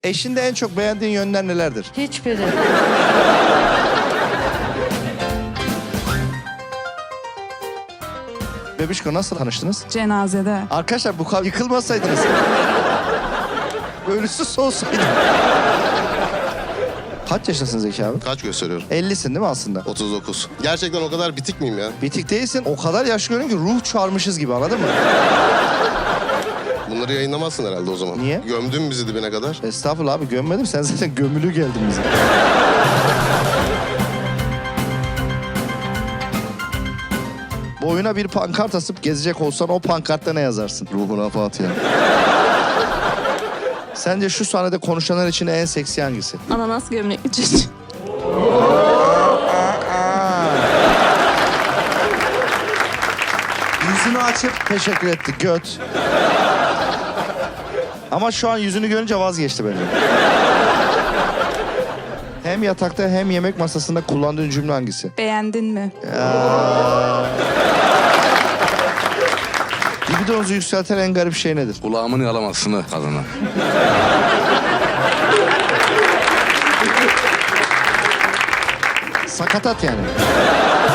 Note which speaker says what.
Speaker 1: Eşinde en çok beğendiğin yönler nelerdir?
Speaker 2: Hiçbiri.
Speaker 1: Bebişko nasıl tanıştınız?
Speaker 3: Cenazede.
Speaker 1: Arkadaşlar bu kadar yıkılmasaydınız. Ölüsü soğusaydı. Kaç yaşındasın Zeki abi?
Speaker 4: Kaç gösteriyorum?
Speaker 1: 50'sin değil mi aslında?
Speaker 4: 39. Gerçekten o kadar bitik miyim ya?
Speaker 1: Bitik değilsin. O kadar yaşlı görünüyor ki ruh çağırmışız gibi, anladın mı?
Speaker 4: Bunları yayınlamazsın herhalde o zaman.
Speaker 1: Niye?
Speaker 4: Gömdün bizi dibine kadar.
Speaker 1: Estağfurullah abi, gömmedim. Sen zaten gömülü geldin bize. Boyuna bir pankart asıp gezecek olsan o pankartta ne yazarsın?
Speaker 4: Ruhuna Fatiha.
Speaker 1: Sence şu sahnede konuşanlar için en seksi hangisi?
Speaker 2: Ananas gömlekli çocuk.
Speaker 1: Yüzünü açıp teşekkür etti göt. Ama şu an yüzünü görünce vazgeçti bence. Hem yatakta hem yemek masasında kullandığın cümle hangisi?
Speaker 3: Beğendin mi?
Speaker 1: Libidonuzu yükselten en garip şey nedir?
Speaker 5: Kulağımın yalamasını kadına.
Speaker 1: Sakatat yani.